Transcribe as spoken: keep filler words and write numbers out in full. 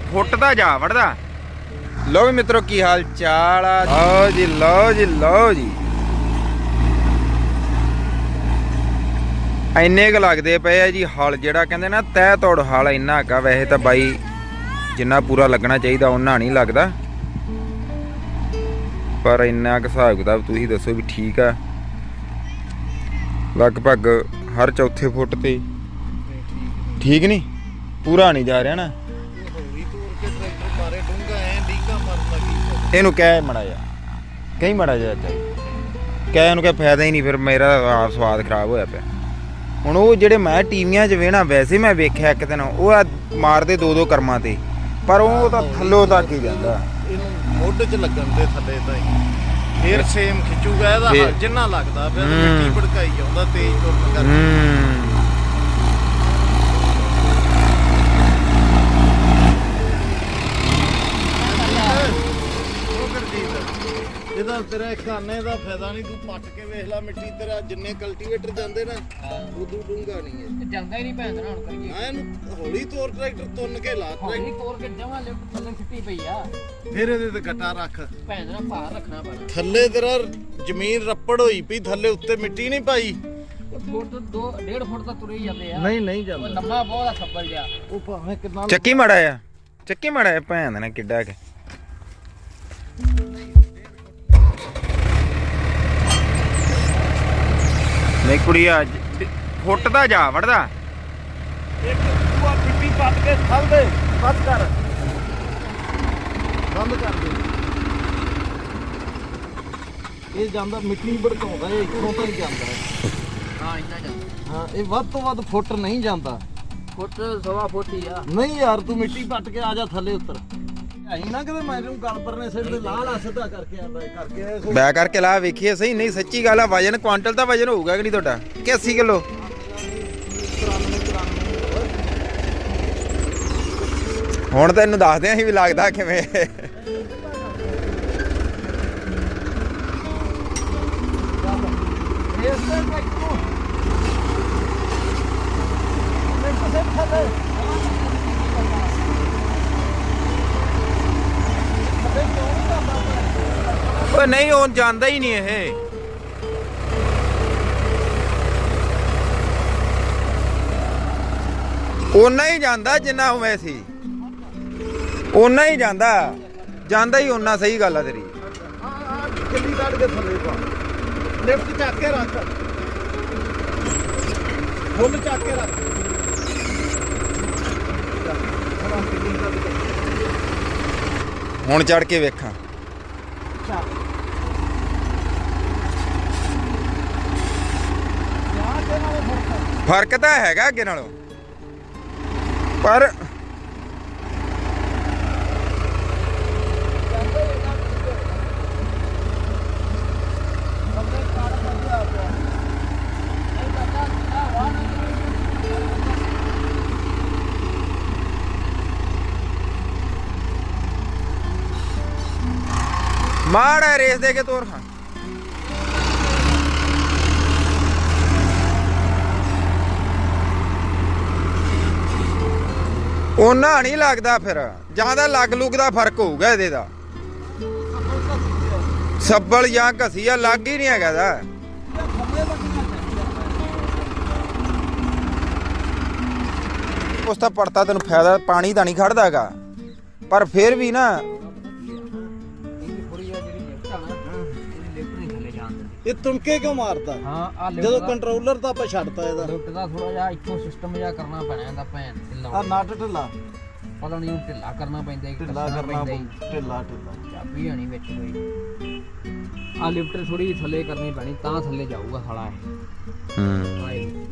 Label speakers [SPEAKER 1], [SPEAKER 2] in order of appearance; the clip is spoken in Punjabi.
[SPEAKER 1] ਫੁੱਟ ਦਾ ਜਾ ਵੜਦਾ। ਲਓ ਵੀ ਮਿੱਤਰੋ ਕੀ ਹਾਲ ਚਾਲ ਆ। ਲਓ ਜੀ ਲਓ ਜੀ ਲਓ ਜੀ ਇੰਨੇ ਕੁ ਲੱਗਦੇ ਪਏ ਆ ਜੀ ਹਲ, ਜਿਹੜਾ ਕਹਿੰਦੇ ਨਾ ਤਹਿ ਤੋੜ ਹਲ ਇੰਨਾ ਕਾ। ਵੈਸੇ ਤਾਂ ਬਾਈ ਜਿੰਨਾ ਪੂਰਾ ਲੱਗਣਾ ਚਾਹੀਦਾ ਉਹਨਾਂ ਨਹੀਂ ਲੱਗਦਾ, ਪਰ ਇੰਨਾ ਕੁ ਹਿਸਾਬ ਕਿਤਾਬ ਤੁਸੀਂ ਦੱਸੋ ਵੀ ਠੀਕ ਆ। ਲਗਭਗ ਹਰ ਚੌਥੇ ਫੁੱਟ ਤੇ ਠੀਕ ਨਹੀਂ, ਪੂਰਾ ਨਹੀਂ ਜਾ ਰਿਹਾ ਨਾ। ਇਹਨੂੰ ਕਹਿ ਮੜਾ ਜਾ, ਕਈ ਮੜਾ ਜਾ ਕਹਿ ਇਹਨੂੰ ਕਹਿ ਫਾਇਦਾ ਹੀ ਨਹੀਂ, ਫਿਰ ਮੇਰਾ ਆਪ ਸਵਾਦ ਖਰਾਬ ਹੋਇਆ ਪਿਆ। ਹੁਣ ਉਹ ਜਿਹੜੇ ਮੈਂ ਟੀਵੀਆਂ 'ਚ ਵੇਖਣਾ, ਵੈਸੇ ਮੈਂ ਵੇਖਿਆ ਇੱਕ ਦਿਨ ਉਹ ਆ ਮਾਰਦੇ ਦੋ ਦੋ ਕਰਮਾਂ ਤੇ, ਪਰ ਉਹ ਤਾਂ ਥੱਲੋਂ ਤੱਕ ਹੀ ਜਾਂਦਾ।
[SPEAKER 2] ਇਹਨੂੰ ਮੋਢੇ 'ਚ ਲੱਗਣ ਦੇ ਥੱਲੇ ਤਾਂ ਹੀ ਫੇਰ ਸੇਮ ਖਿੱਚੂਗਾ ਇਹਦਾ ਹਲ ਜਿੰਨਾ ਲੱਗਦਾ, ਫਿਰ ਮਿੱਟੀ ਭੜਕਾਈ ਜਾਂਦਾ ਤੇਜ਼ ਤੁਰਨ ਕਰਕੇ। ਇਹਦਾ ਤੇਰਾ ਖਾਨੇ ਦਾ ਫਾਇਦਾ ਨਹੀਂ, ਤੂੰ ਪੱਟ ਕੇ ਵੇਖ ਲੈ ਮਿੱਟੀ, ਤੇਰਾ ਜਿੰਨੇ ਕਲਟੀਵੇਟਰ ਜਾਂਦੇ ਨਾ ਉਦੋਂ ਡੂੰਘਾ ਨਹੀਂ ਹੈ,
[SPEAKER 3] ਜਾਂਦਾ ਹੀ ਨਹੀਂ ਭੈਣ ਦਾ। ਹੁਣ ਕਰੀਏ
[SPEAKER 2] ਹਾਂ ਇਹਨੂੰ ਹੌਲੀ ਤੋਰ, ਟਰੈਕਟਰ ਤੁੰਨ ਕੇ ਲਾ,
[SPEAKER 3] ਹੌਲੀ ਤੋਰ ਕੇ ਜਮਾਂ ਲਿਫਟ ਥੱਲੇ ਸਿੱਟੀ ਪਈ ਆ।
[SPEAKER 2] ਫਿਰ ਇਹਦੇ ਤੇ ਗੱਟਾ ਰੱਖ,
[SPEAKER 3] ਭੈਣ ਦਾ ਭਾਰ ਰੱਖਣਾ ਪੈਣਾ।
[SPEAKER 2] ਥੱਲੇ ਤੇਰਾ ਜ਼ਮੀਨ ਰੱਪੜ ਹੋਈ ਪਈ, ਥੱਲੇ ਉੱਤੇ ਮਿੱਟੀ ਨਹੀਂ ਪਾਈ।
[SPEAKER 3] ਫੁੱਟ ਦੋ ਡੇਢ ਫੁੱਟ ਤਾਂ ਤੁਰੇ ਹੀ ਜਾਂਦੇ ਆ।
[SPEAKER 2] ਨਹੀਂ ਨਹੀਂ
[SPEAKER 3] ਉਹ
[SPEAKER 2] ਜਾਂਦਾ,
[SPEAKER 3] ਲੰਮਾ ਬਹੁਤ ਆ ਖੱਬਲ ਜਿਹਾ।
[SPEAKER 2] ਉਹ ਭਾਵੇਂ ਕਿੰਨਾ
[SPEAKER 1] ਚੱਕੀ ਮੜਾ ਆ, ਚੱਕੀ ਮੜਾ ਆ ਭੈਣ ਦਾ ਕਿੱਡਾ ਕੇ। ਨਹੀਂ ਕੁੜੀਆ ਫੁੱਟ ਦਾ ਜਾ ਵੜਦਾ।
[SPEAKER 2] ਇੱਕ ਦੂਆ ਪਿੱਪੀ ਪੱਟ ਕੇ ਥੱਲ ਦੇ, ਬੰਦ ਕਰ ਬੰਦ ਕਰ ਦੇ। ਇਹ ਜਾਂਦਾ ਮਿੱਟੀ ਭੜਕਾਉਂਦਾ, ਇਹ ਇੱਥੋਂ ਤਾਂ ਹੀ ਜਾਂਦਾ ਹੈ।
[SPEAKER 3] ਹਾਂ ਇੰਨਾ ਜਾਂਦਾ।
[SPEAKER 2] ਹਾਂ ਇਹ ਵੱਧ ਤੋਂ ਵੱਧ ਫੁੱਟ ਨਹੀਂ ਜਾਂਦਾ,
[SPEAKER 3] ਫੁੱਟ ਸਵਾ ਫੁੱਟ ਹੀ ਆ।
[SPEAKER 2] ਨਹੀਂ ਯਾਰ ਤੂੰ ਮਿੱਟੀ ਪੱਟ ਕੇ ਆ ਜਾ ਥੱਲੇ ਉੱਤਰ। ਆਈ ਨਾ ਕਿਤੇ ਮੈਨੂੰ ਗੱਲ ਪਰਨੇ ਸਿਰ ਤੇ ਲਾਹ ਲਾ ਸਿੱਧਾ ਕਰਕੇ ਆਂਦਾ ਕਰਕੇ
[SPEAKER 1] ਬੈ ਕਰਕੇ ਲਾ ਵੇਖੀਏ ਸਹੀ। ਨਹੀਂ ਸੱਚੀ ਗੱਲ ਆ, ਵਜਨ ਕੁਆਂਟਲ ਦਾ ਵਜਨ ਹੋਊਗਾ ਕਿ ਨਹੀਂ ਤੁਹਾਡਾ, ਕਿ ਅੱਸੀ ਕਿਲੋ? ਹੁਣ ਤੈਨੂੰ ਦੱਸਦੇ ਅਸੀਂ ਵੀ ਲੱਗਦਾ ਕਿਵੇਂ। ਓਏ ਨਹੀਂ ਹੁਣ ਜਾਂਦਾ ਹੀ ਨਹੀਂ ਇਹ। ਓਨਾ ਹੀ ਜਾਂਦਾ ਜਿੰਨਾ ਹੋਵੇ ਸੀ, ਓਨਾ ਹੀ ਜਾਂਦਾ ਜਾਂਦਾ ਹੀ ਓਨਾ। ਸਹੀ ਗੱਲ ਆ ਤੇਰੀ।
[SPEAKER 2] ਕਿੱਲੀ ਕੱਢ ਕੇ ਥੱਲੇ ਪਾ, ਲਿਫਟ ਚੱਕ ਕੇ ਰੱਖ, ਫੁੱਲ ਚੱਕ ਕੇ ਰੱਖ।
[SPEAKER 1] ਹੁਣ ਚੜ ਕੇ ਵੇਖਾਂ। ਫਰਕ ਤਾਂ ਹੈਗਾ ਅੱਗੇ ਨਾਲੋਂ, ਪਰ ਮਾੜਾ ਰੇਸ ਦੇ ਕੇ ਤੋਰ। ਹਾਂ ਉਹਨਾਂ ਨਹੀਂ ਲੱਗਦਾ, ਫਿਰ ਜਿਆਦਾ ਲੱਗ ਲੁੱਗ ਦਾ ਫਰਕ ਹੋਊਗਾ ਇਹਦੇ ਦਾ। ਸੱਬਲ ਜਾਂ ਘਸੀਆ ਲੱਗ ਹੀ ਨਹੀਂ ਹੈਗਾ ਦਾ। ਉਸ ਤਾਂ ਪੜਤਾ ਤੈਨੂੰ ਫਾਇਦਾ, ਪਾਣੀ ਤਾਂ ਨਹੀਂ ਖੜਦਾ ਹੈਗਾ, ਪਰ ਫਿਰ ਵੀ ਨਾ
[SPEAKER 2] ਇਹ ਤੁਣਕੇ ਕਿਉਂ ਮਾਰਦਾ?
[SPEAKER 3] ਹਾਂ ਆ
[SPEAKER 2] ਜਦੋਂ ਕੰਟਰੋਲਰ ਤਾਂ ਆਪਾਂ ਛੱਡਤਾ ਇਹਦਾ,
[SPEAKER 3] ਲਿਫਟ ਦਾ ਥੋੜਾ ਜਿਹਾ ਇੱਥੋਂ ਸਿਸਟਮ ਜਿਹਾ ਕਰਨਾ ਪੈਣਾ ਇਹਦਾ ਭੈਣ ਢਿੱਲਾ।
[SPEAKER 2] ਆ ਨਟ ਢਿੱਲਾ,
[SPEAKER 3] ਪਤਾ ਨਹੀਂ ਢਿੱਲਾ ਕਰਨਾ ਪੈਂਦਾ,
[SPEAKER 2] ਢਿੱਲਾ ਕਰਨਾ ਢਿੱਲਾ ਢਿੱਲਾ
[SPEAKER 3] ਚਾਬੀ ਹੋਣੀ ਵਿੱਚ ਕੋਈ। ਆ ਲਿਫਟ ਥੋੜੀ ਥੱਲੇ ਕਰਨੀ ਪੈਣੀ, ਤਾਂ ਥੱਲੇ ਜਾਊਗਾ ਸਾਲਾ ਇਹ।
[SPEAKER 1] ਹੂੰ